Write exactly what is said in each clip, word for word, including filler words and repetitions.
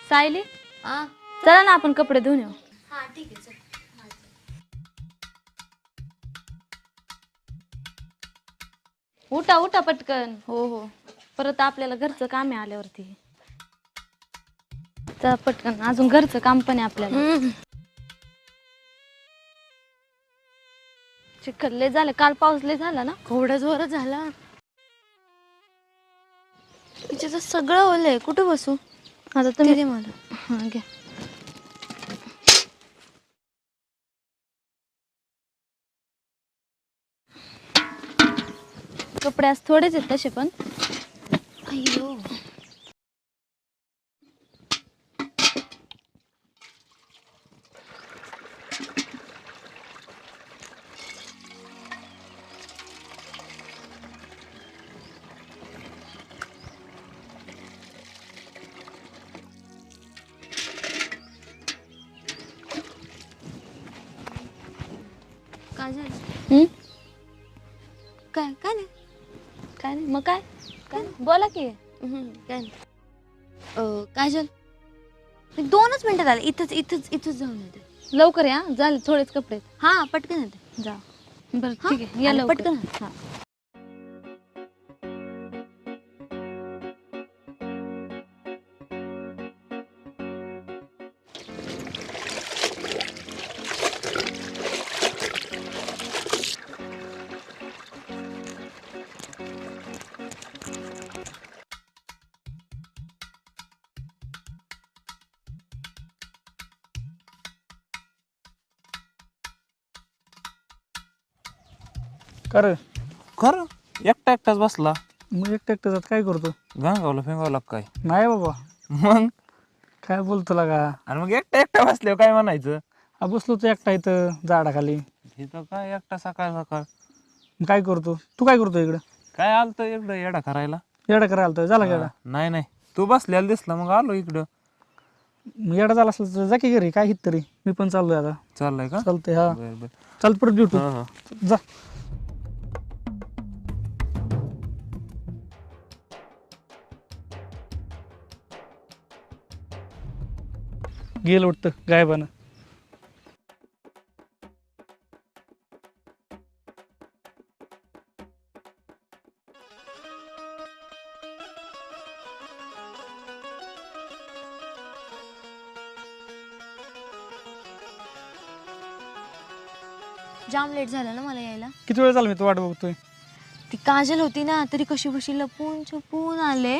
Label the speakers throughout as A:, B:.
A: सायली,
B: हा
A: चला ना आपण कपडे धुवून येऊ.
B: हा ठीक आहे चल.
A: उठा उठा पटकन.
B: हो हो
A: परत आपल्याला घरचं काम आहे आल्यावरती. चला पटकन, अजून घरचं काम पण आहे आपल्याला. चिखल लय झालं, काल पाऊस लय झाला ना.
B: केवढा जोरात झाला. तिच्यात सगळं ओलंय, कुठे बसू
A: आता तुम्ही
B: दे मला.
A: हा घ्या. कपडे आज थोडेच आहेत तसे पण.
B: अय्यो काय झालं?
A: हम्म?
B: काय काय नाही
A: काय नाही मग काय काय नाही. बोला की.
B: हम्म, काय नाही अं, काजल मी दोनच मिनिटात आले. इथंच इथंच इथंच जाऊन येते.
A: लवकर या, झाले थोडेच कपडे आहेत.
B: हा पटकन येते.
A: जा. बरं
B: हा?
A: ठीक आहे, या
B: आले,
A: लवकर.
B: पटकन.
A: हा.
C: कर
D: खर एकटा एकटाच बसला.
C: मग एकटं एकटं जात काय करतो?
D: गांगावला फेंगावला काय
C: नाही बाबा,
D: मग.
C: काय बोलतो लागा.
D: आणि मग एकटा एकटा बसल्यावर काय म्हणायचं?
C: हा बसलो तो एकटा इथं झाडाखाली.
D: इथं काय एकटा सकाळ सकाळ
C: मग काय करतो तू? काय करतो इकडं?
D: काय आलतं इकडं येडा करायला.
C: येडा करायला आलता झाला का येडा?
D: नाही नाही, तू बसल्याला दिसला मग आलो इकडं.
C: मग येडा झाला असला तर जा की घरी, काय हित तरी मी पण चाललोय आता.
D: चाललंय का?
C: चालतंय हा.
D: बर बर.
C: चाल परत भेटू.
D: हा, हा.
C: जा. गेलं वाटतं गायबानं.
B: जाम लेट झालं ना मला यायला.
C: किती वेळ झाला मी तो वाट बघतोय.
B: ती काजल होती ना, तरी कशी बशी लपून छपून आले.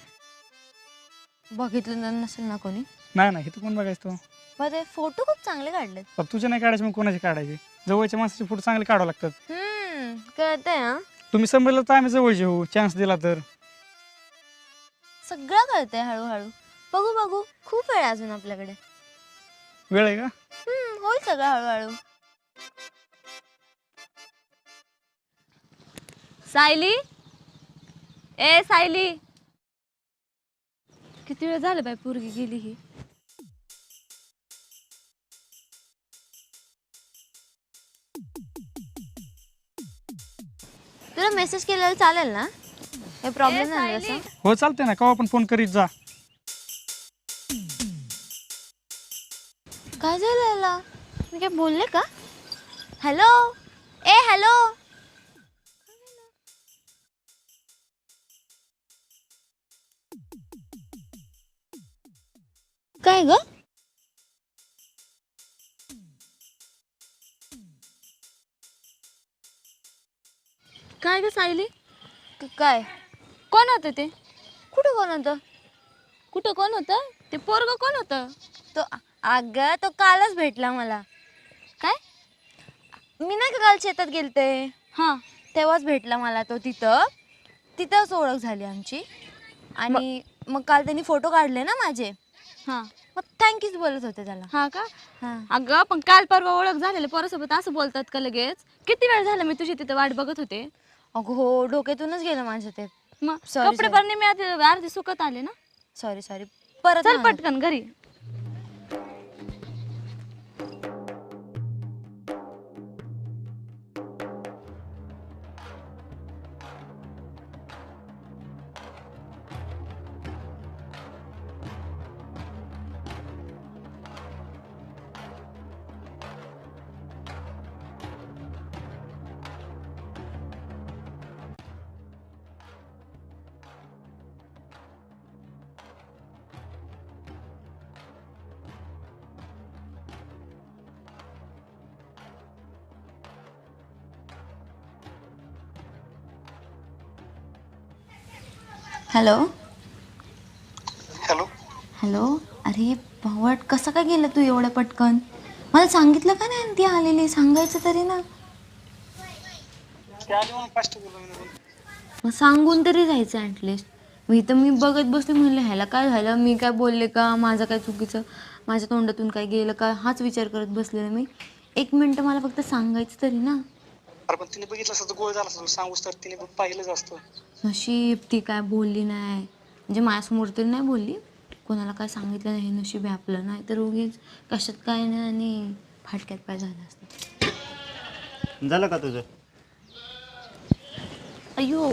B: बघितलं ना नसेल ना कोणी.
C: नाही नाही, इथं कोण बघायचं तो?
B: पण ते फोटो खूप चांगले काढलेत.
C: अब तुझे नाही काढायचे मग कोणाचे काढायचे? जवळच्या माणसाचे फोटो चांगले काढावं लागतात.
B: हम्म कळतंय हा.
C: तुम्ही समजलं तर आम्ही जवळचे होऊ, चान्स दिला तर.
B: सगळं कळतंय हळूहळू. बघू बघू, खूप वेळ आहे अजून आपल्याकडे.
C: वेळ आहे का?
B: हम्म होईल सगळं हळूहळू.
A: सायली, ए सायली, किती वेळ झालं बाई पोरगी गेली ही.
B: तुला मेसेज केलेला चालेल ना? काही प्रॉब्लेम नाही असं?
C: हो चालते ना, केव्हा पण फोन करीत जा.
B: काय झालं याला? मी काय बोलले का? हॅलो ए हॅलो. काय ग?
A: काय ग सायली,
B: काय?
A: कोण होतं ते?
B: कुठं कोण होतं?
A: कुठं कोण होतं? ते पोरग कोण होतं?
B: तो अगं तो कालच भेटला मला.
A: काय?
B: मी नाही का काल शेतात गेलते,
A: हा
B: तेव्हाच भेटला मला तो. तिथं तिथंच ओळख झाली आमची. आणि मग काल त्यांनी फोटो काढले ना माझे.
A: हा
B: मग थँक्यूच बोलत होते त्याला.
A: हा का?
B: हा.
A: अगं पण काल परवा ओळख झालेली पोरासोबत असं बोलतात का लगेच? किती वेळ झाला मी तुझी तिथे वाट बघत होते.
B: अगं हो, डोक्यातूनच गेलं माझं ते.
A: मग
B: Sorry,
A: कपडे
B: sorry.
A: भरणे मी आधी अर्धी सुकत आले ना.
B: Sorry sorry. परत
A: चल
B: नाही होणार.
A: पटकन घरी.
B: Hello
E: hello.
B: हॅलो अरे भावट कसं काय गेलं तू एवढं पटकन? मला सांगितलं का नाही ती आलेली, सांगायचं तरी ना.
E: ते आले म्हणून फास्ट बोललो मी निघून.
B: मग सांगून तरी जायचं ॲटलिस्ट. मी तर मी बघत बसले, म्हणलं ह्याला काय झालं, मी काय बोलले का, माझं काय चुकीचं, माझ्या तोंडातून काय गेलं का, हाच विचार करत बसलेला मी. एक मिनटं मला फक्त सांगायचं तरी ना.
E: अरे पण तिने बघितलं असतं तर गोळ झाला असतं, सांगूस तर तिने पाहिलंच असतं.
B: नशीब ती काय बोलली नाही, म्हणजे माझ्यासमोर तरी नाही बोलली, कोणाला काय सांगितलं नाही, नशीब आहे आपलं. नाही तर उगीच कशात काय नाही आणि फाटक्यात पाय झालं असतं.
F: झालं का तुझं?
B: अयो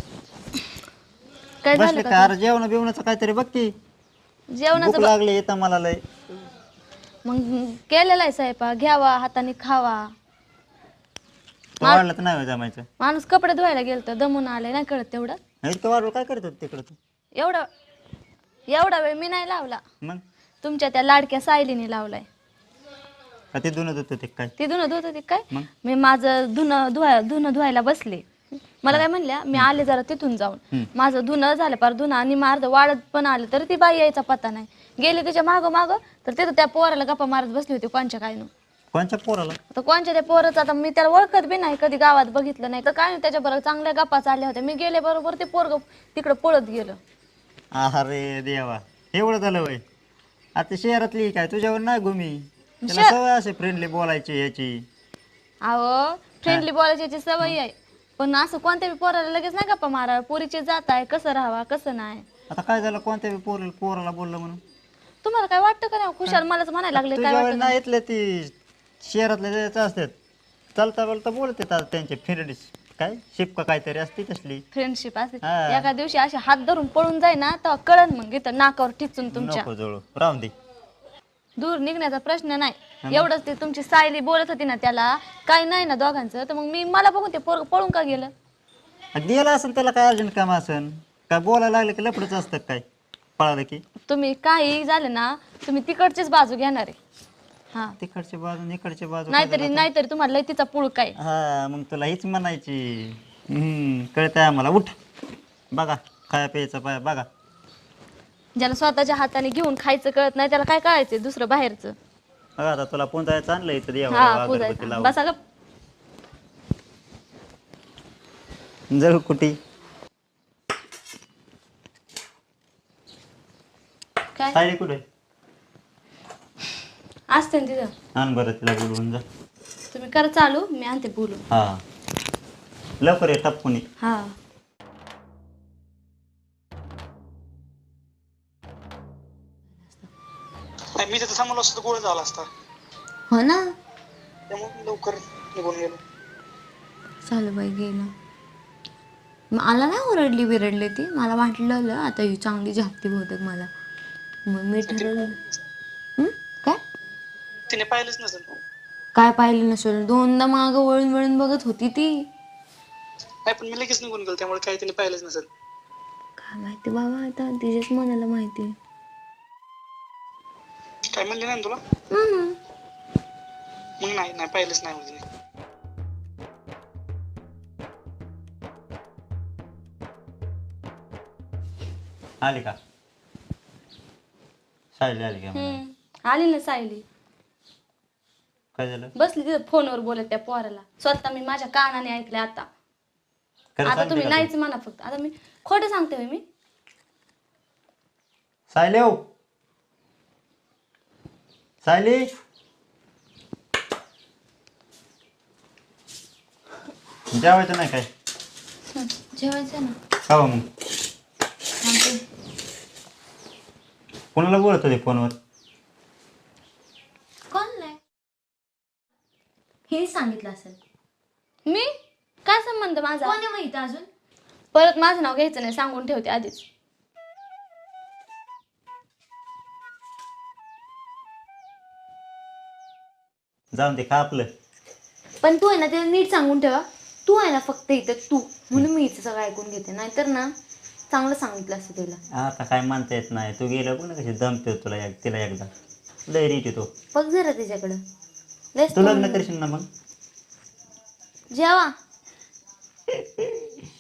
B: काय झालं
F: बसले
B: का
F: का? अरे जेवण बिवणाचं काहीतरी बघ की.
B: तुझं? जेवणाचं
F: भूक
B: ब-
F: लागली येतं मला लय.
B: मग केलेला आहे स्वयंपाक, घ्यावा हाताने खावा.
F: तो वाढलं तर नाही होय जमायचं.
B: माणूस कपडे धुवायला गेलं तर दमून आले, नाही कळत तेवढं.
F: इतकं वाढलं काय करत होत तिकडं तू?
B: एवढा एवढा वेळ मी नाही लावला,
F: मग
B: तुमच्या त्या लाडक्या सायलीने लावलाय.
F: का ते धुणं होतं ते काय?
B: ती धुणं धुत होती काय?
F: मग?
B: मी माझं धुणं धुवा धुणं धुवायला बसले, मला काय म्हणल्या, मी आले जरा तिथून जाऊन, माझं धुणं झालं पार धुणं आणि मार्द वाढत पण आलं, तर ती बाई यायचा पत्ता नाही. गेले तिच्या मागं मागं, तर तिथं त्या पोराला गप्पा मारत बसली होती कोणच्या काय नु.
F: कोणच्या पोराला?
B: आता कोणच्या त्या पोराचं, आता मी त्याला ओळखत बी नाही, कधी गावात बघितलं नाही, तर काय नाही, त्याच्याबरोबर चांगल्या गप्पा चालल्या होत्या. मी गेले बरोबर ते पोरग तिकडं पळत गेलं.
F: अरे देवा, एवढं झालं वय. आता शहरातली काय तुझ्यावर नाही घुमी, त्याला सवय असे फ्रेंडली बोलायची याची.
B: अहो फ्रेंडली बोलायची याची सवय आहे, पण असं कोणत्या बी पोराला लगेच नाही गप्पा मारा. पोरीची जात आहे, कसं राहावा कसं नाही.
F: आता काय झालं, कोणत्या बी पोर पोराला बोललं म्हणून?
B: तुम्हाला काय वाटतं का नाही? खुशाल मलाच म्हणायला लागले काय
F: तुझ्यावर
B: वाटतं
F: नाही येतले ती शहरातले जायचं असतात, चालता बोलता बोलत येतात त्यांचे फ्रेंड, काय शिपका काहीतरी असते तसली.
B: फ्रेंडशिप असते.
F: हा.
B: एका दिवशी असे हात धरून पळून जाई ना, तेव्हा कळन मग इथं नाकावर टिचून तुमच्या.
F: नको जवळ राहून दे.
B: दूर निघण्याचा प्रश्न नाही. एवढंच ते तुमची सायली बोलत होती ना, त्याला काही नाही ना दोघांचं, तर मग मी मला बघून ते पोरग पळून का गेलं?
F: गेला असेल त्याला काय अर्जंट काम असेल, काय बोलायला लागलं की लपडच असतं काय पळालं की.
B: तुम्ही काही झालं ना, तुम्ही तिकडचीच बाजू घेणार आहे. हा
F: तिकडच्या बाजू इकडच्या बाजू काय
B: नाहीतरी
F: झालं
B: नाहीतरी तुम्हाला लय तिचा पुळ काय.
F: आता? हा मग तुला हीच म्हणायची. हम्म कळतंय आम्हाला. उठ बघा खाया प्यायचं पाय बघा.
B: ज्याला स्वतःच्या हाताने घेऊन खायचं कळत नाही, त्याला काय कळायचं दुसरं बाहेरचं.
F: बघा आता तुला पुंजायचं आणलं इथं
B: हा
F: देवा अगरबत्ती
B: पूजायचं
F: लावून.
B: बसा गप.
F: जळ कुठी
B: काय
F: सायली कुठे?
B: असते ना तिथं.
F: आण बरं तिला बोलवून जा.
B: तुम्ही करा चालू, मी आणते बोलू.
F: हा लवकर ये टपकुनी.
B: हा
E: नाही मी तिथं थांबलो असतो तर गोळ झाला असता,
B: हो ना.
E: त्यामुळे लवकर निघून गेलो.
B: चालू बाई गेलं. मला नाही ओरडली बिरडली ती, मला वाटलं आता ही चांगली झापती बहुतेक मला. मग मी ठरवलं. हं? काय
E: तिने पाहिलंच नसेल.
B: काय पाहिलं नसेल, दोनदा मागं वळून वळून बघत होती ती.
E: नाही पण मी लगेच निघून गेलो, त्यामुळे काही तिने पाहिलंच नसेल.
B: काय माहिती बाबा, आता तिच्याच मनाला माहिती.
E: काय म्हणले नाही ना तुला?
B: हम्म.
E: मग नाही नाही पाहिलंच नाही म्हणजे.
F: आली का सायली? आली का?
B: हम्म. आली ना सायली,
F: काय झालं?
B: बसली तिथं फोनवर बोलत त्या पोराला. स्वतः मी माझ्या कानाने ऐकले आता.
F: खरं
B: आता
F: सांगते
B: तुम्ही
F: का तू?
B: नाहीच म्हणा फक्त. आता मी खोटं सांगते होय मी?
F: सायली हो सायली जेवायचं नाही काय?
B: हं, जेवायचं ना.
F: खावा मग.
B: सांगते.
F: कोणाला बोलत होते फोनवर?
B: कोण नाही हे सांगितलं असेल. मी काय संबंध माझा? कोणी माहिती अजून? परत माझं नाव घ्यायचं नाही, सांगून ठेवते आधीच.
F: जाऊन ते खा आपलं.
B: पण तू आहे ना ते नीट सांगून ठेवा. तू आहे ना फक्त इथं तू, म्हणून मी इथं सगळं ऐकून घेते. नाहीतर ना चांगलं सांगितलं असतं तिला.
F: आता काय म्हणता येत नाही. तू गेला पण कशी दमते तुला एक- तिला एकदा लय रीट येतो.
B: बघ जरा तिच्याकडं. लयच
F: तू लग्न
B: तोंड-
F: करशील ना मग?
B: जेवा